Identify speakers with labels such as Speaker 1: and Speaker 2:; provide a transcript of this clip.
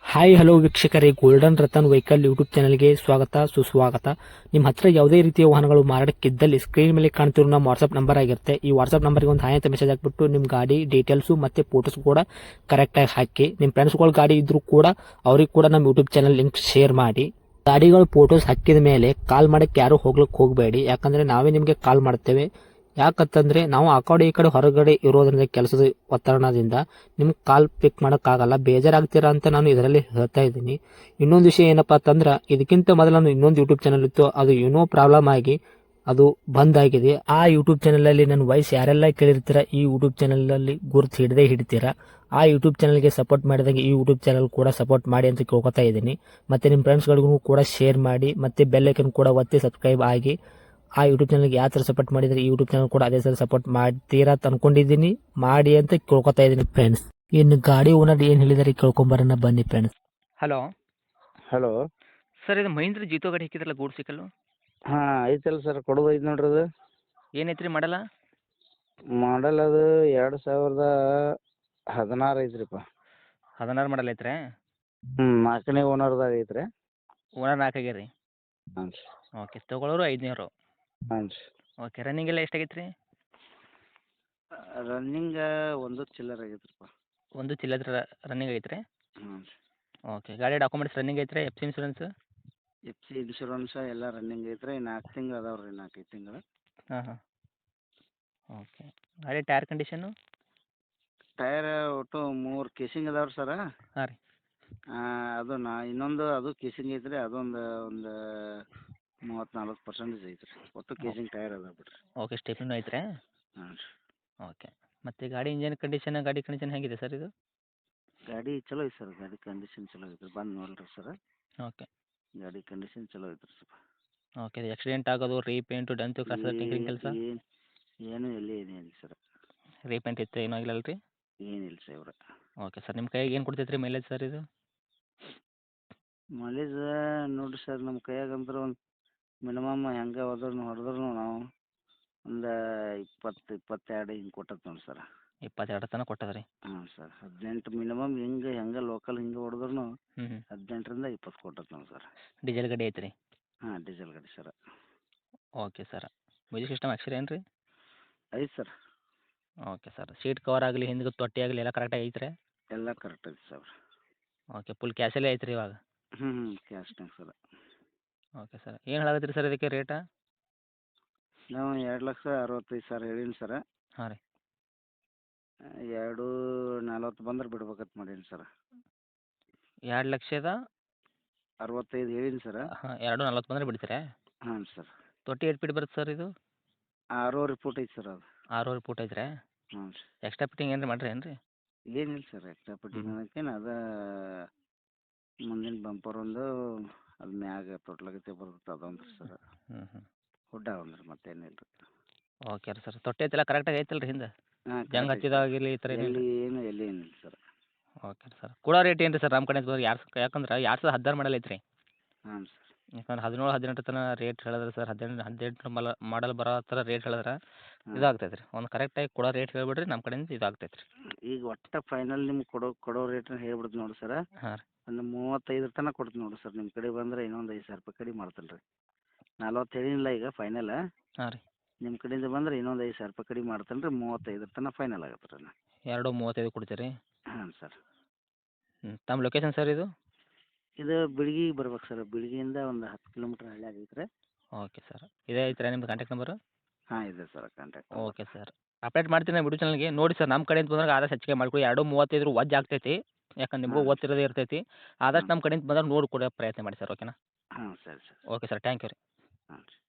Speaker 1: Hi hello ವೀಕ್ಷಕರೇ, golden Ratan vehicle YouTube ಚಾನಲ್ಗೆ ಸ್ವಾಗತ ಸುಸ್ವಾಗತ. ನಿಮ್ಮ ಹತ್ರ ಯಾವುದೇ ರೀತಿಯ ವಾಹನಗಳು ಮಾರಾಟಕ್ಕಿದ್ದಲ್ಲಿ ಸ್ಕ್ರೀನ್ ಮೇಲೆ ಕಾಣ್ತಿರೋ ನಮ್ಮ ವಾಟ್ಸ್ಆಪ್ ನಂಬರ್ ಆಗಿರುತ್ತೆ. ಈ ವಾಟ್ಸ್ಆಪ್ ನಂಬರ್ಗೆ ಒಂದು ಹಾಯ್ ಅಂತ ಮೆಸೇಜ್ ಹಾಕ್ಬಿಟ್ಟು ನಿಮ್ಮ ಗಾಡಿ ಡೀಟೇಲ್ಸು ಮತ್ತೆ ಫೋಟೋಸ್ ಕೂಡ ಕರೆಕ್ಟಾಗಿ ಹಾಕಿ. ನಿಮ್ಮ ಫ್ರೆಂಡ್ಸ್ಗಳ ಗಾಡಿ ಇದ್ರೂ ಕೂಡ ಅವ್ರಿಗೆ ಕೂಡ ನಮ್ಮ ಯೂಟ್ಯೂಬ್ ಚಾನಲ್ ಲಿಂಕ್ ಶೇರ್ ಮಾಡಿ. ಗಾಡಿಗಳು ಫೋಟೋಸ್ ಹಾಕಿದ ಮೇಲೆ ಕಾಲ್ ಮಾಡಕ್ಕೆ ಯಾರು ಹೋಗ್ಲಿಕ್ಕೆ ಹೋಗಬೇಡಿ, ಯಾಕಂದ್ರೆ ನಾವೇ ನಿಮಗೆ ಕಾಲ್ ಮಾಡ್ತೇವೆ. ಯಾಕಂತಂದ್ರೆ ನಾವು ಆ ಕಡೆ ಈ ಕಡೆ ಹೊರಗಡೆ ಇರೋದ್ರಿಂದ ಕೆಲಸದ ಒತ್ತಡದಿಂದ ನಿಮ್ಗೆ ಕಾಲ್ ಪಿಕ್ ಮಾಡೋಕ್ಕಾಗಲ್ಲ, ಬೇಜಾರಾಗ್ತೀರಾ ಅಂತ ನಾನು ಇದರಲ್ಲಿ ಹೇಳ್ತಾ ಇದ್ದೀನಿ. ಇನ್ನೊಂದು ವಿಷಯ ಏನಪ್ಪಾ ಅಂತಂದ್ರೆ, ಇದಕ್ಕಿಂತ ಮೊದಲು ನಾನು ಇನ್ನೊಂದು ಯೂಟ್ಯೂಬ್ ಚಾನಲ್ ಇತ್ತು, ಅದು ಏನೋ ಪ್ರಾಬ್ಲಮ್ ಆಗಿ ಅದು ಬಂದ್ ಆಗಿದೆ. ಆ ಯೂಟ್ಯೂಬ್ ಚಾನಲ್ ಅಲ್ಲಿ ನನ್ನ ವಾಯ್ಸ್ ಯಾರೆಲ್ಲ ಕೇಳಿರ್ತೀರಾ, ಈ ಯೂಟ್ಯೂಬ್ ಚಾನಲ್ ಅಲ್ಲಿ ಗುರುತು ಹಿಡದೇ ಹಿಡಿತೀರಾ. ಆ ಯೂಟ್ಯೂಬ್ ಚಾನಲ್ಗೆ ಸಪೋರ್ಟ್ ಮಾಡಿದಾಗ ಈ ಯೂಟ್ಯೂಬ್ ಚಾನಲ್ ಕೂಡ ಸಪೋರ್ಟ್ ಮಾಡಿ ಅಂತ ಕೇಳ್ಕೊತಾ ಇದ್ದೀನಿ. ಮತ್ತೆ ನಿಮ್ಮ ಫ್ರೆಂಡ್ಸ್ಗಳಿಗೂ ಕೂಡ ಶೇರ್ ಮಾಡಿ, ಮತ್ತೆ ಬೆಲ್ ಐಕನ್ ಕೂಡ ಒತ್ತಿ ಸಬ್ಸ್ಕ್ರೈಬ್ ಆಗಿ. ಆ ಯೂಟ್ಯೂಬ್ ಚಾನಲ್ಗೆ ಯಾವ ಥರ ಸಪೋರ್ಟ್ ಮಾಡಿದ್ರೆ ಈ ಯೂಟ್ಯೂಬ್ ಚಾನಲ್ ಕೂಡ ಅದೇ ಥರ ಸಪೋರ್ಟ್ ಮಾಡ್ತೀರಾ ಅಂತ ಅನ್ಕೊಂಡಿದ್ದೀನಿ. ಮಾಡಿ ಅಂತ ಕೇಳ್ಕೊತಾ ಇದ್ದೀನಿ ಫ್ರೆಂಡ್ಸ್. ಇನ್ನು ಗಾಡಿ ಓನರ್ ಏನು ಹೇಳಿದಾರೆ ಕೇಳ್ಕೊಂಬರೋಣ ಬನ್ನಿ ಫ್ರೆಂಡ್ಸ್.
Speaker 2: Hello
Speaker 3: hello.
Speaker 2: ಸರ್, ಇದು ಮಹೀಂದ್ರ ಜೀತೋ ಗಾಡಿ ಹಾಕಿದ್ರಲ್ಲ ಗೂಡ್ ಸಿಕ್ಕಲ್ಲು,
Speaker 3: ಹಾಂ ಐತಲ್ಲ ಸರ್, ಕೊಡೋದು ಐತೆ ನೋಡ್ರಿ ಅದು.
Speaker 2: ಏನೈತ್ರಿ ಮಾಡಲ್ಲ?
Speaker 3: ಮಾಡಲ್ ಅದು 2016 ಐತ್ರಿಪ್ಪ.
Speaker 2: 16 ಮಾಡಲ್ ಐತ್ರಿ?
Speaker 3: ನಾಲ್ಕನೇ ಓನರ್ದಾಗ ಐತ್ರಿ.
Speaker 2: ಓನರ್ 4 ಆಗ್ಯಾರ ರೀ?
Speaker 3: ಹಾಂ ರೀ.
Speaker 2: ಓಕೆ, ತೊಗೊಳೋರು 500.
Speaker 3: ಹಾಂ ರೀ.
Speaker 2: ಓಕೆ, ರನ್ನಿಂಗ್ ಎಲ್ಲ ಎಷ್ಟಾಗೈತೆ ರೀ?
Speaker 3: ರನ್ನಿಂಗ ಒಂದು ಚಿಲ್ಲರ್ ಆಗೈತ್ರಿಪ್ಪ.
Speaker 2: ಒಂದು ಚಿಲ್ಲದ್ರ ರನ್ನಿಂಗ್ ಐತ್ರಿ?
Speaker 3: ಹಾಂ ರೀ.
Speaker 2: ಓಕೆ, ಗಾಡಿ ಡಾಕ್ಯುಮೆಂಟ್ಸ್ ರನ್ನಿಂಗ್ ಐತ್ರಿ? F C insurance?
Speaker 3: F C insurance ಎಲ್ಲ ರನ್ನಿಂಗ್ ಐತ್ರಿ. 4 ತಿಂಗಳು ಅದಾವೆ ರೀ, 4-5 ತಿಂಗಳು.
Speaker 2: ಹಾಂ ಹಾಂ. ಓಕೆ, ಗಾಡಿ ಟೈರ್ ಕಂಡೀಷನು?
Speaker 3: ಟೈರ್ ಒಟ್ಟು 3 ಕೇಸಿಂಗ್ ಅದಾವೆ ರೀ ಸರ.
Speaker 2: ಹಾಂ ರೀ.
Speaker 3: ಅದು ಇನ್ನೊಂದು ಅದು ಕೇಸಿಂಗ್ ಐತ್ರಿ, ಅದೊಂದು 30-40% ಐತ್ರಿ. ಒಟ್ಟು ಕೇಸಿಂಗ್ ಟೈರ್ ಅದಾವೆ ಬಿಡ್ರಿ.
Speaker 2: ಓಕೆ, ಸ್ಟೆಪ್ನೂ ಐತ್ರಿ?
Speaker 3: ಹಾಂ ರೀ.
Speaker 2: ಓಕೆ, ಮತ್ತು ಗಾಡಿ ಗಾಡಿ ಕಂಡೀಷನ್ ಹೇಗಿದೆ ಸರ್ ಇದು?
Speaker 3: ಗಾಡಿ ಚಲೋ ಐತೆ ಸರ್, ಗಾಡಿ ಕಂಡೀಷನ್ ಚಲೋ ಐತ್ರಿ. ಬಂದು ನೋಡ್ರಿ ಸರ್,
Speaker 2: ಓಕೆ.
Speaker 3: ಗಾಡಿ ಕಂಡೀಷನ್ ಚಲೋ ಐತ್ರಿ ಸ್ವಲ್ಪ.
Speaker 2: ಓಕೆ, ಆಕ್ಸಿಡೆಂಟ್ ಆಗೋದು, ರೀಪೇಂಟು, ಡೆಂತು, ಕ್ರಾಸ್ ಟಿಂಕರಿಂಗ್ ಕೆಲಸ?
Speaker 3: ಏನು ಏನಿಲ್ಲ ಸರ್.
Speaker 2: ರೀಪೇಂಟ್ ಇತ್ತು ಏನೂ ಆಗಿಲ್ಲ ರೀ?
Speaker 3: ಏನಿಲ್ಲ ಸರ್ ಇವ್ರ.
Speaker 2: ಓಕೆ ಸರ್, ನಿಮ್ಮ ಕೈಯಾಗ ಏನು ಕೊಡ್ತೈತೆ ರೀ ಮೈಲೇಜ್ ಸರ್ ಇದು?
Speaker 3: ಮೈಲೇಜ್ ನೋಡಿರಿ ಸರ್, ನಮ್ಮ ಕೈಯಾಗ ಅಂದ್ರೆ ಒಂದು ಮಿನಿಮಮ್ ಹೆಂಗೆ ಹೊಡೆದ್ರು ನಾವು ಒಂದು 20-22 ಹಿಂಗೆ ಕೊಟ್ಟತ್ ನೋಡಿ ಸರ್.
Speaker 2: 22 ತನಕ ಕೊಟ್ಟದ ರೀ?
Speaker 3: ಹಾಂ ಸರ್, 18 ಮಿನಿಮಮ್. ಹೆಂಗೆ ಲೋಕಲ್ ಹಿಂಗೆ ಹೊಡೆದ್ರು
Speaker 2: ಹ್ಞೂ ಹ್ಞೂ.
Speaker 3: 18-20 ಕೊಟ್ಟತ್ ನೋಡಿ ಸರ್.
Speaker 2: ಡೀಸೆಲ್ ಗಾಡಿ ಐತೆ ರೀ?
Speaker 3: ಹಾಂ, ಡೀಸೆಲ್ ಗಾಡಿ sir.
Speaker 2: Okay sir, music system ಅಕ್ಷರ ಏನು ರೀ?
Speaker 3: ಐತೆ sir.
Speaker 2: Okay sir, seat cover ಆಗಲಿ, ಹಿಂದೆ ತೊಟ್ಟಿ ಆಗಲಿ ಎಲ್ಲ ಕರೆಕ್ಟಾಗಿ ಐತ್ರಿ?
Speaker 3: ಎಲ್ಲ ಕರೆಕ್ಟ್ ಐತೆ ಸರ್.
Speaker 2: ಓಕೆ, ಫುಲ್ ಕ್ಯಾಶಲ್ಲೇ ಐತ್ರಿ ಇವಾಗ?
Speaker 3: ಕ್ಯಾಶ್ನಾಗ ಸರ್.
Speaker 2: ಓಕೆ ಸರ್, ಏನು ಹೇಳಾಕತ್ತೀರಿ ಸರ್ ಇದಕ್ಕೆ ರೇಟ?
Speaker 3: ನಾವು 2,65,000 ಹೇಳೀನಿ ಸರ.
Speaker 2: ಹಾಂ ರೀ.
Speaker 3: 2,40 ಬಂದ್ರೆ ಬಿಡ್ಬೇಕಂತ ಮಾಡೀನಿ ಸರ್.
Speaker 2: 2,65,000
Speaker 3: ಹೇಳೀನಿ ಸರ.
Speaker 2: ಹಾಂ, 2,40 ಬಂದರೆ ಬಿಡ್ತೀರಾ?
Speaker 3: ಹಾಂ ಸರ್.
Speaker 2: ತೊಟ್ಟಿ ಎಷ್ಟು ಫೀಟ್ ಬರುತ್ತೆ ಸರ್ ಇದು?
Speaker 3: 6.5 ಫೂಟ್ ಐತೆ ಸರ್ ಅದು.
Speaker 2: 6.5 ಫೂಟ್ ಐತ್ರಿ?
Speaker 3: ಹ್ಞೂ ರೀ.
Speaker 2: ಎಕ್ಸ್ಟ್ರಾ ಫಿಟ್ಟಿಂಗ್ ಏನು ಮಾಡ್ರಿ ಏನು ರೀ?
Speaker 3: ಏನಿಲ್ಲ ಸರ್, ಎಕ್ಸ್ಟ್ರಾ ಫಿಟ್ಟಿಂಗ್ ಅನ್ನೋಕ್ಕೇನು ಅದ ಮುಂದಿನ ಬಂಪರ್ ಒಂದು, ಅದು ಮ್ಯಾಗ ತೊಟ್ಲಾಗತ್ತೆ ಬರ್ತದೆ ಅದೊಂದು ರೀ ಸರ್.
Speaker 2: ಹ್ಞೂ ಹ್ಞೂ.
Speaker 3: ಹುಡ್ಡ ಒಂದು ರೀ, ಮತ್ತೇನಿಲ್ಲ ರೀ.
Speaker 2: ಓಕೆ ರೀ ಸರ್, ತೊಟ್ಟಿ ಐತೆಲ್ಲ ಕರೆಕ್ಟಾಗಿ ಐತಲ್ಲ ರೀ ಹಿಂದೆ?
Speaker 3: ಹಾಂ,
Speaker 2: ಜಂಗ್ ಹಚ್ಚಿದಾಗಿರಲಿ ಈ ಥರ ಏನಿಲ್ಲ?
Speaker 3: ಎಲ್ಲಿ ಏನಿಲ್ಲ ಸರ್.
Speaker 2: ಓಕೆ ರೀ ಸರ್, ಕೊಡೋ ರೇಟ್ ಏನು ರೀ ಸರ್ ನಮ್ಮ ಕಡೆ ಯಾಕಂದ್ರೆ 2016 ಮಾಡಲ್ ಐತ್ರಿ.
Speaker 3: ಹಾಂ ಸರ್.
Speaker 2: ಯಾಕಂದ್ರೆ 17-18 ತನಕ ರೇಟ್ ಹೇಳಿದ್ರೆ ಸರ್, 18 ಮಾಡಲ್ ಬರೋ ಥರ ರೇಟ್ ಹೇಳಿದ್ರೆ ಇದಾಗ್ತೈತೆ ರೀ. ಒಂದು ಕರೆಕ್ಟಾಗಿ ಕೊಡೋ ರೇಟ್ ಹೇಳ್ಬಿಡ್ರಿ, ನಮ್ಮ ಕಡೆಯಿಂದ ಇದಾಗ್ತೈತೆ ರೀ.
Speaker 3: ಈಗ ಒಟ್ಟು ಫೈನಲ್ ನಿಮ್ಗೆ ಕೊಡೋ ರೇಟ್ನ ಹೇಳ್ಬಿಡ್ತು ನೋಡಿ ಸರ.
Speaker 2: ಹಾಂ ರೀ.
Speaker 3: ಒಂದು 35 ತನಕ ಕೊಡ್ತೀನಿ ನೋಡಿ ಸರ್. ನಿಮ್ಮ ಕಡೆ ಬಂದರೆ ಇನ್ನೊಂದು 5,000 ರೂಪಾಯಿ ಕಡಿಮೆ ಮಾಡ್ತೀನಿ ರೀ. 40 ಹೇಳಿನಿಲ್ಲ ಈಗ ಫೈನಲ್.
Speaker 2: ಹಾಂ ರೀ.
Speaker 3: ನಿಮ್ಮ ಕಡೆಯಿಂದ ಬಂದರೆ ಇನ್ನೊಂದು 5,000 ರೂಪಾಯಿ ಕಡಿಮೆ ಮಾಡ್ತೀನಿ ರೀ. 35 ತನಕ ಫೈನಲ್ ಆಗತ್ತೆ ರೀ.
Speaker 2: 2.35 ಕೊಡ್ತೀರಿ?
Speaker 3: ಹಾಂ ಸರ್.
Speaker 2: ತಮ್ಮ ಲೊಕೇಶನ್ ಸರ್ ಇದು?
Speaker 3: ಇದು ಬಿಳ್ಗಿಗೆ ಬರ್ಬೇಕು ಸರ್. ಬಿಳ್ಗಿಯಿಂದ ಒಂದು 10 ಕಿಲೋಮೀಟ್ರ್ ಹಳ್ಳಿ ಆಗೈತೆ ರೀ.
Speaker 2: ಓಕೆ ಸರ್, ಇದೇ ಐತ್ರಾ ನಿಮ್ದು ಕಾಂಟ್ಯಾಕ್ಟ್ ನಂಬರು?
Speaker 3: ಹಾಂ, ಇದೆ sir contact.
Speaker 2: Okay sir, update ಮಾಡ್ತೀನಿ ವಿಡಿಯೋ ಚಾನಲ್ಗೆ. ನೋಡಿ ಸರ್, ನಮ್ಮ ಕಡೆಯಿಂದ ಬಂದಾಗ ಆದಷ್ಟು ಹೆಚ್ಚಿಗೆ ಮಾಡ್ಕೊಳ್ಳಿ. 2.35 ವಜ್ ಆಗ್ತೈತಿ, ಯಾಕಂದ್ರೆ ನಿಮಗೂ
Speaker 3: ಹಾಂ.
Speaker 2: ಓದ್ತಿರೋದೇ ಇರ್ತೈತಿ. ಆದಷ್ಟು ನಮ್ಮ ಕಡೆಯಿಂದ ಬಂದಾಗ ನೋಡಿ ಕೊಡೋ ಪ್ರಯತ್ನ ಮಾಡಿ ಸರ್, ಓಕೆನಾ?
Speaker 3: ಹಾಂ, ಸರಿ sir.
Speaker 2: Okay sir, thank you ರೀ.
Speaker 3: ಹಾಂ ರೀ.